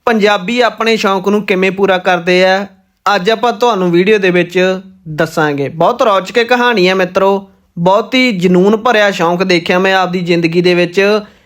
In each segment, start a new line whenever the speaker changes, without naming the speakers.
ਪੰਜਾਬੀ ਆਪਣੇ ਸ਼ੌਂਕ ਨੂੰ ਕਿਵੇਂ ਪੂਰਾ ਕਰਦੇ ਆ ਅੱਜ ਆਪਾਂ ਤੁਹਾਨੂੰ ਵੀਡੀਓ ਦੇ ਵਿੱਚ ਦੱਸਾਂਗੇ। ਬਹੁਤ ਰੌਚਕ ਕਹਾਣੀ ਹੈ ਮਿੱਤਰੋ, ਬਹੁਤ ਹੀ ਜਨੂਨ ਭਰਿਆ ਸ਼ੌਂਕ ਦੇਖਿਆ ਮੈਂ ਆਪਦੀ ਜ਼ਿੰਦਗੀ ਦੇ ਵਿੱਚ।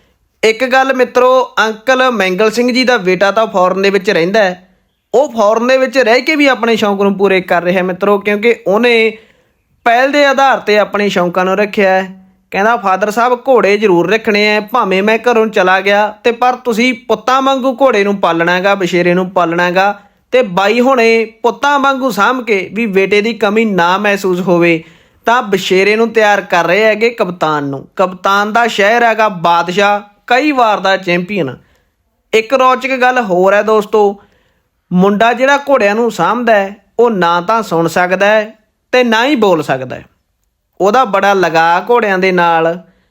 ਇੱਕ ਗੱਲ ਮਿੱਤਰੋ, ਅੰਕਲ ਮੈਂਗਲ ਸਿੰਘ ਜੀ ਦਾ ਬੇਟਾ ਤਾਂ ਫੋਰਨ ਦੇ ਵਿੱਚ ਰਹਿੰਦਾ ਹੈ, ਉਹ ਫੋਰਨ ਦੇ ਵਿੱਚ ਰਹਿ ਕੇ ਵੀ ਆਪਣੇ ਸ਼ੌਂਕ ਨੂੰ ਪੂਰੇ ਕਰ ਰਿਹਾ ਮਿੱਤਰੋ, ਕਿਉਂਕਿ ਉਹਨੇ ਪਹਿਲ ਦੇ ਆਧਾਰ ਤੇ ਆਪਣੇ ਸ਼ੌਂਕਾਂ ਨੂੰ ਰੱਖਿਆ ਹੈ। ਕਹਿੰਦਾ ਫਾਦਰ ਸਾਹਿਬ ਘੋੜੇ ਜ਼ਰੂਰ ਰੱਖਣੇ ਆ, ਭਾਵੇਂ ਮੈਂ ਘਰੋਂ ਚਲਾ ਗਿਆ ਤੇ ਪਰ ਤੁਸੀਂ ਪੁੱਤਾਂ ਵਾਂਗੂ ਘੋੜੇ ਨੂੰ ਪਾਲਣਾ ਹੈਗਾ, ਬਸ਼ੇਰੇ ਨੂੰ ਪਾਲਣਾ ਹੈਗਾ। ਤੇ ਬਾਈ ਹੁਣੇ ਪੁੱਤਾਂ ਵਾਂਗੂ ਸਾਂਭ ਕੇ ਵੀ ਬੇਟੇ ਦੀ ਕਮੀ ਨਾ ਮਹਿਸੂਸ ਹੋਵੇ ਤਾਂ ਬਸ਼ੇਰੇ ਨੂੰ ਤਿਆਰ ਕਰ ਰਹੇ ਹੈਗੇ ਕਪਤਾਨ ਨੂੰ। ਕਪਤਾਨ ਦਾ ਸ਼ਹਿਰ ਹੈਗਾ ਬਾਦਸ਼ਾਹ, ਕਈ ਵਾਰ ਦਾ ਚੈਂਪੀਅਨ। ਇੱਕ ਰੌਚਕ ਗੱਲ ਹੋਰ ਹੈ ਦੋਸਤੋ, ਮੁੰਡਾ ਜਿਹੜਾ ਘੋੜਿਆਂ ਨੂੰ ਸਾਂਭਦਾ ਹੈ ਉਹ ਨਾ ਤਾਂ ਸੁਣ ਸਕਦਾ ਹੈ ਤੇ ਨਾ ਹੀ ਬੋਲ ਸਕਦਾ ਹੈ। ਉਹਦਾ ਬੜਾ ਲਗਾਅ ਘੋੜਿਆਂ ਦੇ ਨਾਲ।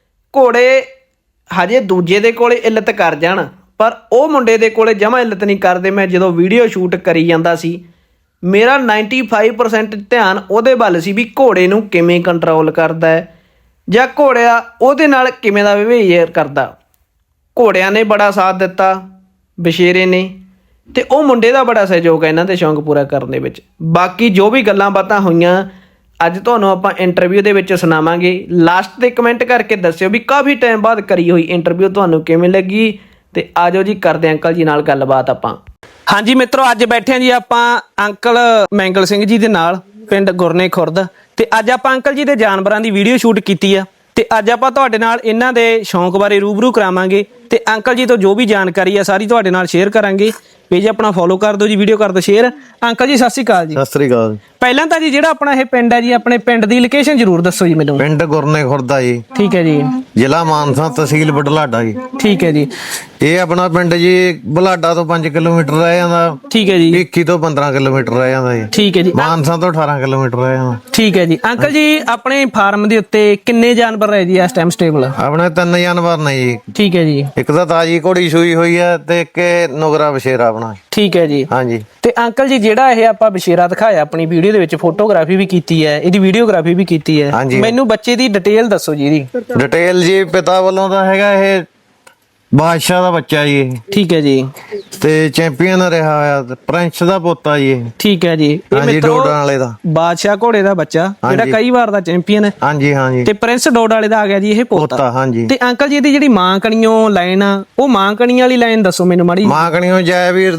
ਘੋੜੇ ਹਜੇ ਦੂਜੇ ਦੇ ਕੋਲੇ ਇੱਲਤ ਕਰ ਜਾਣ ਪਰ ਉਹ ਮੁੰਡੇ ਦੇ ਕੋਲੇ ਜਮਾਂ ਇੱਲਤ ਨਹੀਂ ਕਰਦੇ। ਮੈਂ ਜਦੋਂ ਵੀਡੀਓ ਸ਼ੂਟ ਕਰੀ ਜਾਂਦਾ ਸੀ ਮੇਰਾ 95% ਧਿਆਨ ਉਹਦੇ ਵੱਲ ਸੀ ਵੀ ਘੋੜੇ ਨੂੰ ਕਿਵੇਂ ਕੰਟਰੋਲ ਕਰਦਾ ਹੈ ਜਾਂ ਘੋੜਿਆ ਉਹਦੇ ਨਾਲ ਕਿਵੇਂ ਦਾ ਬਿਹੇਵੀਅਰ ਕਰਦਾ। ਘੋੜਿਆਂ ਨੇ ਬੜਾ ਸਾਥ ਦਿੱਤਾ, ਬਸ਼ੇਰੇ ਨੇ, ਤੇ ਉਹ ਮੁੰਡੇ ਦਾ ਬੜਾ ਸਹਿਯੋਗ ਹੈ ਇਹਨਾਂ ਦੇ ਸ਼ੌਂਕ ਪੂਰਾ ਕਰਨ ਦੇ ਵਿੱਚ। ਬਾਕੀ ਜੋ ਵੀ ਗੱਲਾਂ ਬਾਤਾਂ ਹੋਈਆਂ ਅੱਜ ਤੁਹਾਨੂੰ ਆਪਾਂ ਇੰਟਰਵਿਊ ਦੇ ਵਿੱਚ ਸੁਣਾਵਾਂਗੇ। ਲਾਸਟ ਤੇ ਕਮੈਂਟ ਕਰਕੇ ਦੱਸਿਓ ਵੀ ਕਾਫੀ ਟਾਈਮ ਬਾਅਦ ਕਰੀ ਹੋਈ ਇੰਟਰਵਿਊ ਤੁਹਾਨੂੰ ਕਿਵੇਂ ਲੱਗੀ, ਤੇ ਆਜੋ ਜੀ ਕਰਦੇ ਅੰਕਲ ਜੀ ਨਾਲ ਗੱਲਬਾਤ ਆਪਾਂ। ਹਾਂਜੀ ਮਿੱਤਰੋ, ਅੱਜ ਬੈਠੇ ਹਾਂ ਜੀ ਆਪਾਂ ਅੰਕਲ ਮੈਂਗਲ ਸਿੰਘ ਜੀ ਦੇ ਨਾਲ, ਪਿੰਡ ਗੁਰਨੇ ਖੁਰਦ। ਤੇ ਅੱਜ ਆਪਾਂ ਅੰਕਲ ਜੀ ਦੇ ਜਾਨਵਰਾਂ ਦੀ ਵੀਡੀਓ ਸ਼ੂਟ ਕੀਤੀ ਆ ਤੇ ਅੱਜ ਆਪਾਂ ਤੁਹਾਡੇ ਨਾਲ ਇਹਨਾਂ ਦੇ ਸ਼ੌਂਕ ਬਾਰੇ ਰੂਬਰੂ ਕਰਾਵਾਂਗੇ ਤੇ ਅੰਕਲ ਜੀ ਤੋਂ ਜੋ ਵੀ ਜਾਣਕਾਰੀ ਆ ਸਾਰੀ ਤੁਹਾਡੇ ਨਾਲ ਸ਼ੇਅਰ ਕਰਾਂਗੇ। ਪੇਜ ਆਪਣਾ ਫੋਲੋ ਕਰ ਦਿਓ ਜੀ, ਵੀਡੀਓ ਕਰ ਦਿਓ ਸ਼ੇਅਰ। ਅੰਕਲ ਜੀ ਸਤਿ ਸ਼੍ਰੀ ਅਕਾਲ ਜੀ।
ਸਤਿ ਸ੍ਰੀ ਅਕਾਲ।
ਪਹਿਲਾਂ ਤਾਂ ਜੀ ਜਿਹੜਾ ਆਪਣਾ ਇਹ ਪਿੰਡ ਹੈ ਜੀ, ਆਪਣੇ ਪਿੰਡ ਦੀ ਲੋਕੇਸ਼ਨ ਜ਼ਰੂਰ ਦੱਸੋ ਜੀ ਮੈਨੂੰ।
ਪਿੰਡ ਗੁਰਨੇ ਖੁਰਦਾ ਜੀ।
ਠੀਕ ਹੈ ਜੀ।
ਜ਼ਿਲ੍ਹਾ ਮਾਨਸਾ, ਤਹਿਸੀਲ ਬੁਢਲਾਡਾ ਜੀ।
ਠੀਕ ਹੈ ਜੀ।
ਇਹ ਆਪਣਾ ਪਿੰਡ ਜੀ ਬੁਢਲਾਡਾ ਤੋਂ 5 ਕਿਲੋਮੀਟਰ ਰਹਿ ਜਾਂਦਾ।
ਠੀਕ ਹੈ ਜੀ।
ਭਿੱਖੀ ਤੋਂ 15 ਕਿਲੋਮੀਟਰ ਰਹਿ ਜਾਂਦਾ ਜੀ।
ਠੀਕ ਹੈ ਜੀ।
ਮਾਨਸਾ ਤੋਂ 18 ਕਿਲੋਮੀਟਰ ਰਹਿ ਜਾਂਦਾ।
ਠੀਕ ਹੈ ਜੀ। ਅੰਕਲ ਜੀ ਆਪਣੇ ਫਾਰਮ ਦੇ ਉੱਤੇ ਕਿੰਨੇ ਜਾਨਵਰ ਹੈ ਜੀ ਇਸ ਟਾਈਮ ਸਟੇਬਲ?
ਆਪਣੇ 3 ਜਾਨਵਰ ਨੇ ਜੀ।
ਠੀਕ ਹੈ ਜੀ।
ਇੱਕ ਤਾਂ ਤਾਜੀ ਘੋੜੀ ਸੂਈ ਹੋਈ ਹੈ ਤੇ ਇੱਕ ਨੁਗਰਾ ਬਸ਼ੇਰਾ ਆਪਣਾ।
ਠੀਕ ਹੈ ਜੀ।
ਹਾਂਜੀ।
ਤੇ ਅੰਕਲ ਜੀ ਜਿਹੜਾ ਇਹ ਆਪਾਂ ਬਸ਼ੇਰਾ ਦਿਖਾਇਆ ਆਪਣੀ ਵੀਡੀਓ ਦੇ ਵਿੱਚ, ਫੋਟੋਗ੍ਰਾਫੀ ਵੀ ਕੀਤੀ ਹੈ, ਇਹਦੀ ਵੀਡੀਓਗ੍ਰਾਫੀ ਵੀ ਕੀਤੀ ਹੈ, ਮੈਨੂੰ ਬੱਚੇ ਦੀ ਡਿਟੇਲ ਦੱਸੋ ਜੀ ਇਹਦੀ।
ਡਿਟੇਲ ਜੀ ਪਿਤਾ ਵੱਲੋਂ ਤਾਂ ਹੈਗਾ ਇਹ ਬਾਦਸ਼ਾਹ ਦਾ ਬੱਚਾ ਜੀ।
ਠੀਕ ਹੈ ਜੀ।
ਤੇ ਚੈਂਪੀਅਨ ਰਿਹਾ ਹੋਇਆ, ਪ੍ਰਿੰਸ ਦਾ ਪੋਤਾ ਜੀ।
ਠੀਕ ਹੈ ਜੀ।
ਹਾਂਜੀ, ਡੋਡਾਂ ਵਾਲੇ ਦਾ
ਬਾਦਸ਼ਾਹ ਘੋੜੇ ਦਾ ਬੱਚਾ ਜਿਹੜਾ ਕਈ ਵਾਰ ਦਾ ਚੈਂਪੀਅਨ ਹੈ।
ਹਾਂਜੀ ਹਾਂਜੀ।
ਤੇ ਪ੍ਰਿੰਸ ਡੋਡ ਵਾਲੇ ਦਾ ਆ ਗਿਆ ਜੀ ਇਹ ਪੋਤਾ।
ਹਾਂਜੀ।
ਤੇ ਅੰਕਲ ਜੀ ਇਹਦੀ ਜਿਹੜੀ ਮਾਂ ਕਣੀਓ ਲਾਈਨ ਆ, ਉਹ ਮਾਂ ਕਣੀ ਵਾਲੀ ਲਾਈਨ ਦੱਸੋ ਮੈਨੂੰ ਮਾੜੀ।
ਮਾਂ ਕਣੀਓ ਜੈਵੀਰ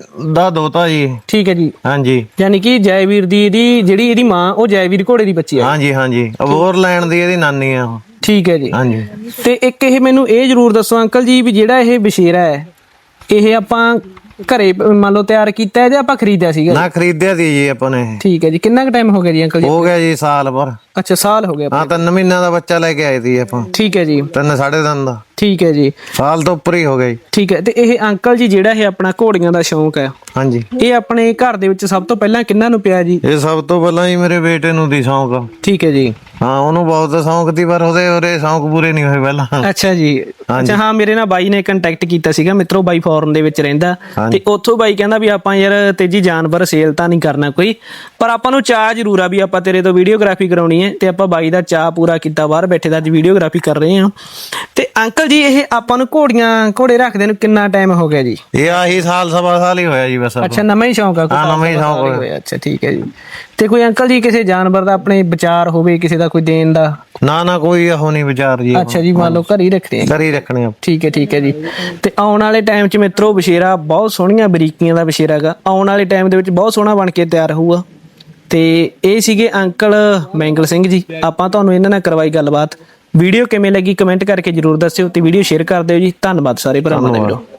ਦਾ ਦੋਤਾ ਜੀ।
ਠੀਕ ਹੈ ਜੀ।
ਹਾਂਜੀ।
ਯਾਨੀ ਕਿ ਜੈਵੀਰ ਦੀ ਇਹਦੀ ਮਾਂ ਉਹ ਜੈਵੀਰ ਘੋੜੇ ਦੀ ਬੱਚੀ ਹੈ।
ਹਾਂਜੀ ਹਾਂਜੀ। ਅਬੋਰ ਲੈਣ ਦੀ ਇਹਦੀ ਨਾਨੀ ਆ।
ਠੀਕ ਹੈ ਜੀ।
ਹਾਂਜੀ।
ਤੇ ਇੱਕ ਇਹ ਮੈਨੂੰ ਇਹ ਜ਼ਰੂਰ ਦੱਸੋ ਅੰਕਲ ਜੀ ਵੀ ਜਿਹੜਾ ਇਹ ਬਸ਼ੇਰਾ ਹੈ ਇਹ ਆਪਾਂ ਘਰੇ ਮੰਨ ਲਓ ਤਿਆਰ ਕੀਤਾ ਹੈ ਜਾਂ ਆਪਾਂ ਖਰੀਦਿਆ ਸੀਗਾ?
ਨਾ, ਖਰੀਦਿਆ ਸੀ ਜੀ ਆਪਾਂ ਨੇ।
ਠੀਕ ਹੈ ਜੀ। ਕਿੰਨਾ ਕੁ ਟਾਈਮ ਹੋ ਗਿਆ ਜੀ ਅੰਕਲ ਜੀ?
ਹੋ ਗਿਆ ਜੀ ਸਾਲ ਭਰ।
ਅੱਛਾ, ਸਾਲ ਹੋ ਗਿਆ।
ਹਾਂ, 3 ਮਹੀਨਿਆਂ ਦਾ ਬੱਚਾ ਲੈ ਕੇ ਆਏ ਸੀ ਆਪਾਂ।
ਠੀਕ ਹੈ ਜੀ।
3 ਸਾਢੇ 3 ਦਾ।
ਠੀਕ ਹੈ ਜੀ।
ਸਾਲ ਤੋਂ ਉੱਪਰ ਹੀ ਹੋ ਗਿਆ ਜੀ।
ਠੀਕ ਹੈ। ਤੇ ਇਹ ਅੰਕਲ ਜੀ ਜਿਹੜਾ ਇਹ ਆਪਣਾ ਘੋੜੀਆਂ ਦਾ ਸ਼ੌਂਕ ਹੈ,
ਹਾਂਜੀ,
ਇਹ ਆਪਣੇ ਘਰ ਦੇ ਵਿੱਚ ਸਭ ਤੋਂ ਪਹਿਲਾਂ ਕਿਹਨਾਂ ਨੂੰ ਪਿਆ ਜੀ?
ਇਹ ਸਭ ਤੋਂ ਪਹਿਲਾਂ ਹੀ ਮੇਰੇ ਬੇਟੇ ਨੂੰ ਦੀ ਸ਼ੌਂਕ।
ਠੀਕ ਹੈ ਜੀ।
ਹਾਂ, ਉਹਨੂੰ ਬਹੁਤ ਸ਼ੌਂਕ ਸੀ ਪਰ ਉਹਦੇ ਸ਼ੌਂਕ ਪੂਰੇ ਨਹੀਂ ਹੋਏ ਪਹਿਲਾਂ।
ਅੱਛਾ ਜੀ। ਅੱਛਾ, ਹਾਂ, ਮੇਰੇ ਨਾਲ ਬਾਈ ਨੇ ਕੰਟੈਕਟ ਕੀਤਾ ਸੀਗਾ ਮਿੱਤਰੋ, ਬਾਈ ਫੋਰਨ ਦੇ ਵਿੱਚ ਰਹਿੰਦਾ ਤੇ ਉੱਥੋਂ ਬਾਈ ਕਹਿੰਦਾ ਵੀ ਆਪਾਂ ਯਾਰ ਤੇਜੀ ਜਾਨਵਰ ਸੇਲ ਤਾਂ ਨਹੀਂ ਕਰਨਾ ਕੋਈ, ਪਰ ਆਪਾਂ ਨੂੰ ਚਾਹ ਜ਼ਰੂਰ ਆ ਵੀ ਆਪਾਂ ਤੇਰੇ ਤੋਂ ਵੀਡੀਓਗ੍ਰਾਫੀ ਕਰਾਉਣੀ ਹੈ। ਤੇ ਆਪਾਂ ਬਾਈ ਦਾ ਚਾਹ ਪੂਰਾ ਕੀਤਾ, ਬਾਹਰ ਬੈਠੇ ਦਾ ਅੱਜ ਵੀਡੀਓਗ੍ਰਾਫੀ ਕਰ ਰਹੇ ਹਾਂ। ਤੇ ਅੰਕਲ ਜੀ ਇਹ ਆਪਾਂ ਨੂੰ ਘੋੜੇ ਰੱਖਦੇ ਨੂੰ ਕਿੰਨਾ ਟਾਈਮ ਹੋ ਗਿਆ ਜੀ? ਇਹ
ਆਹੀ ਸਾਲ ਸਵਾ ਸਾਲ ਹੀ ਹੋਇਆ ਜੀ ਬਸ।
ਅੱਛਾ, ਨਵਾਂ ਹੀ ਸ਼ੌਂਕ ਆ?
ਨਵਾਂ ਹੀ ਸ਼ੌਂਕ
ਹੋਇਆ। ਅੱਛਾ, ਠੀਕ ਹੈ ਜੀ। ਤੇ ਕੋਈ ਅੰਕਲ ਜੀ ਕਿਸੇ ਜਾਨਵਰ ਦਾ ਆਪਣੇ ਵਿਚਾਰ ਹੋਵੇ ਕਿਸੇ ਦਾ ਕੋਈ ਦੇਣ ਦਾ?
ਨਾ ਕੋਈ ਉਹ ਨਹੀਂ ਵਿਚਾਰ ਜੀ।
ਅੱਛਾ ਜੀ, ਮੰਨ ਲਓ ਘਰ ਹੀ ਰੱਖਦੇ ਆ?
ਘਰ ਹੀ ਰੱਖਣੇ ਆ।
ਠੀਕ ਹੈ, ਠੀਕ ਹੈ ਜੀ। ਤੇ ਆਉਣ ਵਾਲੇ ਟਾਈਮ 'ਚ ਮਿੱਤਰੋ ਬਸ਼ੇਰਾ ਬਹੁਤ ਸੋਹਣੀਆਂ ਬਰੀਕੀਆਂ ਦਾ ਬਸ਼ੇਰਾ ਹੈਗਾ, ਆਉਣ ਵਾਲੇ ਟਾਈਮ ਦੇ ਵਿੱਚ ਬਹੁਤ ਸੋਹਣਾ ਬਣ ਕੇ ਤਿਆਰ ਹੋਊਗਾ। ਤੇ ਇਹ ਸੀਗੇ ਅੰਕਲ ਮੈਂਗਲ ਸਿੰਘ ਜੀ, ਆਪਾਂ ਤੁਹਾਨੂੰ ਇਹਨਾਂ ਨਾਲ ਕਰਵਾਈ ਗੱਲਬਾਤ। ਵੀਡੀਓ ਕਿਵੇਂ ਲੱਗੀ ਕਮੈਂਟ ਕਰਕੇ ਜਰੂਰ ਦੱਸਿਓ ਤੇ ਵੀਡੀਓ ਸ਼ੇਅਰ ਕਰ ਦਿਓ ਜੀ। ਧੰਨਵਾਦ ਸਾਰੇ ਭਰਾਵਾਂ ਦਾ ਵੀਰੋ।